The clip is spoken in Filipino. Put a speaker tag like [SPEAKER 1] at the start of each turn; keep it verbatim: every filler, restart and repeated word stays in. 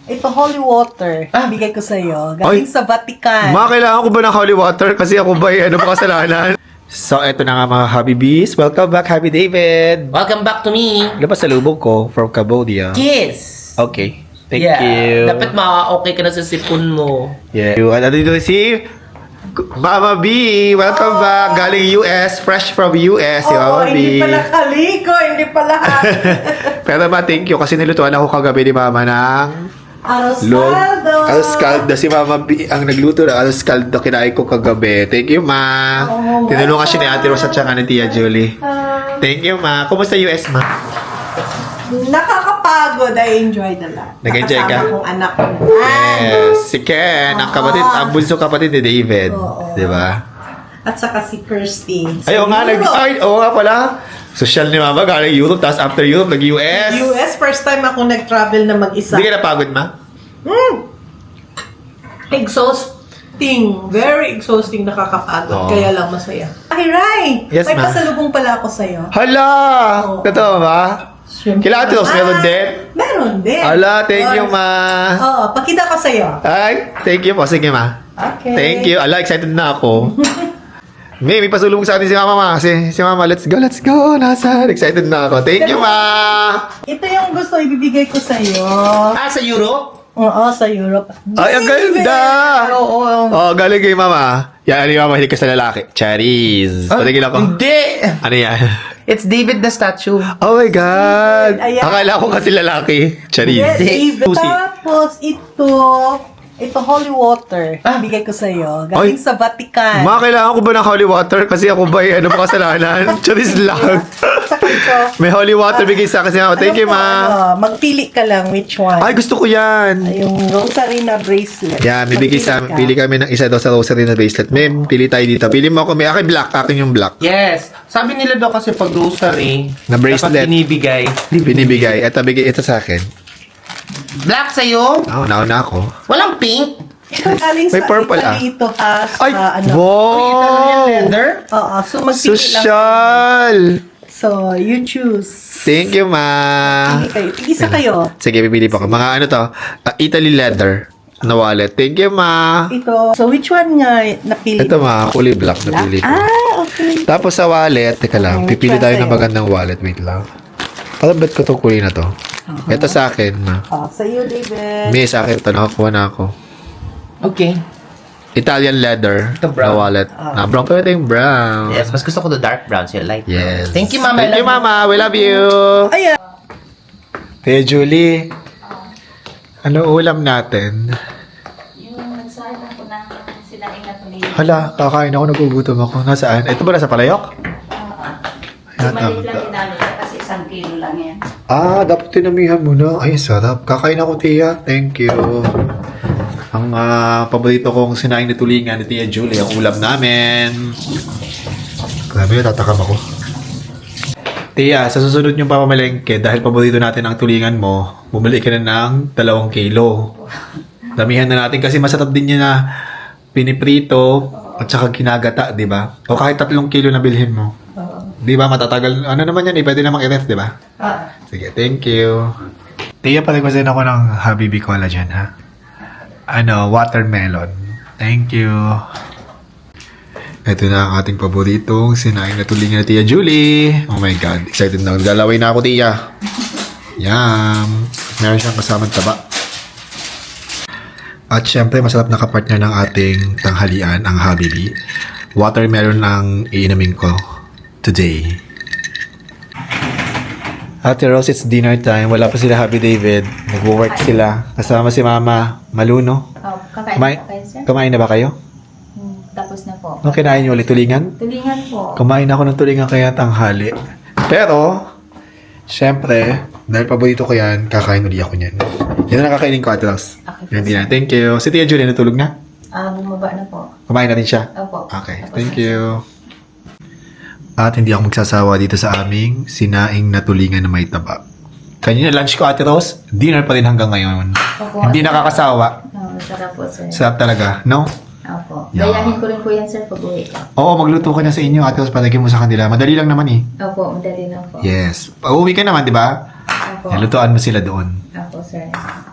[SPEAKER 1] Ito, holy water.
[SPEAKER 2] Ah.
[SPEAKER 1] Bigay ko sa'yo. Galing
[SPEAKER 3] Ay.
[SPEAKER 1] sa Vatican.
[SPEAKER 3] Ma, kailangan ko ba ng holy water? Kasi ako ba, eh, ano ba kasalanan? So, eto na nga mga Happy Bees. Welcome back, Happy David.
[SPEAKER 2] Welcome back to me.
[SPEAKER 3] Ano ba sa lubog ko from Cambodia?
[SPEAKER 2] Kiss.
[SPEAKER 3] Okay. Thank
[SPEAKER 2] yeah.
[SPEAKER 3] you.
[SPEAKER 2] Dapat ma-okay ka na sa sipon mo.
[SPEAKER 3] Yeah. At dito si Mama B. Welcome back. Galing U S. Fresh from U S. Si
[SPEAKER 1] Oo,
[SPEAKER 3] Mama B.
[SPEAKER 1] hindi pala kaliko, hindi pala
[SPEAKER 3] Pero ma, thank you kasi nilutuan ako kagabi ni Mama ng
[SPEAKER 1] Aros
[SPEAKER 3] log.
[SPEAKER 1] caldo.
[SPEAKER 3] Aros caldo. Si Mama B ang nagluto ng aros caldo. Kinain ko kagabi. Thank you, Ma.
[SPEAKER 1] Oh,
[SPEAKER 3] Tinulungan siya ni Ate Rose at saka ni Tia Julie.
[SPEAKER 1] Ah,
[SPEAKER 3] Thank you, Ma. Kumusta U S, Ma?
[SPEAKER 1] nakakapagod. I enjoyed a lot.
[SPEAKER 3] Nag-enjoy ka?
[SPEAKER 1] Nakasama kong anak ko naman.
[SPEAKER 3] Yes. Si Ken, ang kapatid, ang bunso kapatid ni David.
[SPEAKER 1] Oo.
[SPEAKER 3] Di ba?
[SPEAKER 1] At saka si Kirsty.
[SPEAKER 3] Ay, oo nga, nag, ay, oo nga pala. Social ni Mama, galing Europe, tapos after Europe, nag-U S.
[SPEAKER 1] U S, first time ako nag-travel na mag-isa.
[SPEAKER 3] Hindi ka napagod, Ma?
[SPEAKER 1] Hmm. Exhausting. Very exhausting, nakakapagod.
[SPEAKER 3] Oo.
[SPEAKER 1] Kaya lang masaya. Ay, Rai!
[SPEAKER 3] Yes,
[SPEAKER 1] May
[SPEAKER 3] ma'am.
[SPEAKER 1] pasalubong pala ako sa'yo.
[SPEAKER 3] Hala!
[SPEAKER 1] Oo.
[SPEAKER 3] Totoo ba?
[SPEAKER 1] Siyempre
[SPEAKER 3] Kailangan ito,
[SPEAKER 1] naman.
[SPEAKER 3] meron din?
[SPEAKER 1] Meron din.
[SPEAKER 3] Hala, thank you,
[SPEAKER 1] Oo.
[SPEAKER 3] Ma.
[SPEAKER 1] Oo, pakita ko sa'yo.
[SPEAKER 3] Ay, thank you po. Sige, Ma.
[SPEAKER 1] Okay.
[SPEAKER 3] Thank you. Ala, excited na ako. May, may pasulong sa atin si Mama, Ma. Si, si Mama, let's go, let's go. Nasaan? Excited na ako. Thank you, Ma.
[SPEAKER 1] Ito yung gusto ibibigay ko sa'yo.
[SPEAKER 2] Ah, sa Europe?
[SPEAKER 1] Oo, sa Europe.
[SPEAKER 3] Ay, ang ganda!
[SPEAKER 1] Oo.
[SPEAKER 3] Oh, galing kay Mama. Yan, ano yung Mama, hindi ka sa lalaki. Charis. Patigil ako.
[SPEAKER 2] Hindi.
[SPEAKER 3] Ano yan?
[SPEAKER 2] It's David the statue.
[SPEAKER 3] Oh my God!
[SPEAKER 1] Ayan.
[SPEAKER 3] Akala ko kasi lalaki. Charis.
[SPEAKER 1] Yes, David.
[SPEAKER 3] Susi.
[SPEAKER 1] Tapos ito, ito holy water.
[SPEAKER 2] Ah.
[SPEAKER 1] Bigay ko sa'yo. Galing
[SPEAKER 3] Ay.
[SPEAKER 1] sa Vatican.
[SPEAKER 3] Ma, kailangan ko ba ng holy water? Kasi ako ba, eh, ano ba kasalanan? Charis lang.
[SPEAKER 1] Saka ito.
[SPEAKER 3] May holy water bigay sa akin si Mama. Thank you,
[SPEAKER 1] Ano po,
[SPEAKER 3] Ma.
[SPEAKER 1] ano, magpili ka lang which one.
[SPEAKER 3] Ay, gusto ko yan.
[SPEAKER 1] Yung rosary na bracelet.
[SPEAKER 3] Yan, bibigay sa
[SPEAKER 1] Magpili ka.
[SPEAKER 3] pili kami ng isa daw sa rosary na bracelet. May pili tayo dito. Pili mo ako. May akin black. Akin yung black.
[SPEAKER 2] Yes. Sabi nila daw kasi pag rosary,
[SPEAKER 3] Na bracelet.
[SPEAKER 2] dapat binibigay.
[SPEAKER 3] Binibigay. Ito, bigay ito sa akin.
[SPEAKER 2] Black sa'yo?
[SPEAKER 3] Oo, oh, nauna ako.
[SPEAKER 2] Walang pink?
[SPEAKER 1] Ito galing
[SPEAKER 3] May
[SPEAKER 1] sa
[SPEAKER 3] purple, ah.
[SPEAKER 1] Italy ito ha. Sa
[SPEAKER 3] Ay,
[SPEAKER 1] ano.
[SPEAKER 3] wow!
[SPEAKER 2] Leather?
[SPEAKER 1] Oo, so magpili lang.
[SPEAKER 3] Social!
[SPEAKER 1] So, you choose.
[SPEAKER 3] Thank you, Ma.
[SPEAKER 1] Pili kayo. Isa kayo.
[SPEAKER 3] Sige, pipili pa ako. Mga ano to? Uh, Italy leather na wallet. Thank you, Ma.
[SPEAKER 1] Ito. So, which one nga napili?
[SPEAKER 3] Ito, Ma. Kulay black na pili ko.
[SPEAKER 1] Ah, okay.
[SPEAKER 3] Tapos sa wallet, teka lang.
[SPEAKER 1] Okay,
[SPEAKER 3] Pipili
[SPEAKER 1] which
[SPEAKER 3] tayo
[SPEAKER 1] one
[SPEAKER 3] ng
[SPEAKER 1] sa'yo?
[SPEAKER 3] magandang wallet. Wait lang. Alam ba't ko itong kulay na to? Ito sa akin, Ma.
[SPEAKER 1] Oh, sa iyo, David.
[SPEAKER 3] May sa akin ito. Nakakuha na ako.
[SPEAKER 2] Okay.
[SPEAKER 3] Italian leather
[SPEAKER 2] Ito, brown.
[SPEAKER 3] na wallet. Na brown. Pero ito yung brown.
[SPEAKER 2] Yes, mas gusto ko the dark brown, so light brown.
[SPEAKER 3] Yes.
[SPEAKER 2] Thank you, Mama.
[SPEAKER 3] Thank
[SPEAKER 2] I
[SPEAKER 3] you,
[SPEAKER 2] love
[SPEAKER 3] Mama. We love you.
[SPEAKER 1] Ayan.
[SPEAKER 3] Hey, Julie. Ano ulam natin?
[SPEAKER 4] Yung nagsala ko ng sinaing na tuloy.
[SPEAKER 3] Hala, kakain ako. Nagugutom ako. Nasaan? Ito ba nasa palayok? Ayan,
[SPEAKER 4] Maliit lang
[SPEAKER 3] tama.
[SPEAKER 4] dinalo siya kasi isang kilo lang yan.
[SPEAKER 3] Ah, dapat tinamihan mo na. Ay, sarap. Kakain ako, Tia. Thank you. Ang ah, paborito kong sinaing na tulingan ni Tia Julie, ang ulam namin. Grabe, tatakam ako. Tia, sa susunod yung pamamalengke, dahil paborito natin ang tulingan mo, bumili ka na ng dalawang kilo. Damihan na natin kasi masarap din yun na piniprito at saka ginagata, di ba? O kahit tatlong kilo na bilhin mo. Di ba, matatagal. Ano naman yan, eh, pwede namang i-ref, di ba?
[SPEAKER 1] Ah.
[SPEAKER 3] Sige, thank you. Tia, paligwasin ako ng Habibi Collagen, ha? Ano, watermelon. Thank you. Ito na ang ating paboritong sinaing na tulingan na Tia Julie. Oh my God, excited na. Galaway na ako, Tia. Yum. Meron siyang kasamang taba. At syempre, masarap na kapartner ng ating tanghalian, ang Habibi. Watermelon ang iinamin ko today. Ate Rose, it's dinner time. Wala pa sila Happy David. Nag-work sila. Kasama si Mama Maluno.
[SPEAKER 4] Oh, kakain
[SPEAKER 3] Kumain,
[SPEAKER 4] na kayo, sir?
[SPEAKER 3] kumain na ba kayo?
[SPEAKER 4] Hmm, tapos na po.
[SPEAKER 3] Nung kinain niyo ulit tulingan?
[SPEAKER 4] Tulingan po.
[SPEAKER 3] Kumain ako ng tulingan kaya tanghali. Pero, syempre, dahil paborito ko yan, kakain ulit ako niyan. Yan ang nakakainin ko, Ate Rose.
[SPEAKER 4] Okay.
[SPEAKER 3] Yan din na. Thank you. Si Tia Julie, natulog na?
[SPEAKER 4] Ah, bumaba na po.
[SPEAKER 3] Kumain na rin siya?
[SPEAKER 4] Opo.
[SPEAKER 3] Okay,
[SPEAKER 4] Tapos
[SPEAKER 3] thank
[SPEAKER 4] na.
[SPEAKER 3] you. At hindi ako magsasawa dito sa aming sinaing na tulingan na may taba. Kanina lunch ko, Ate Rose, dinner pa rin hanggang ngayon.
[SPEAKER 4] Opo.
[SPEAKER 3] Hindi nakakasawa.
[SPEAKER 4] Oh, sarap po, sir.
[SPEAKER 3] Sarap talaga, no?
[SPEAKER 4] Opo.
[SPEAKER 3] Yeah.
[SPEAKER 4] Gayahin ko rin po yan, sir, pag uwi ko.
[SPEAKER 3] Oo, magluto ka na sa inyo, Ate Rose, palagay mo sa kanila. Madali lang naman eh.
[SPEAKER 4] Opo, madali na po.
[SPEAKER 3] Yes. Pauwi ka naman, di ba?
[SPEAKER 4] Opo.
[SPEAKER 3] Lutuan mo sila doon.
[SPEAKER 4] Opo, sir.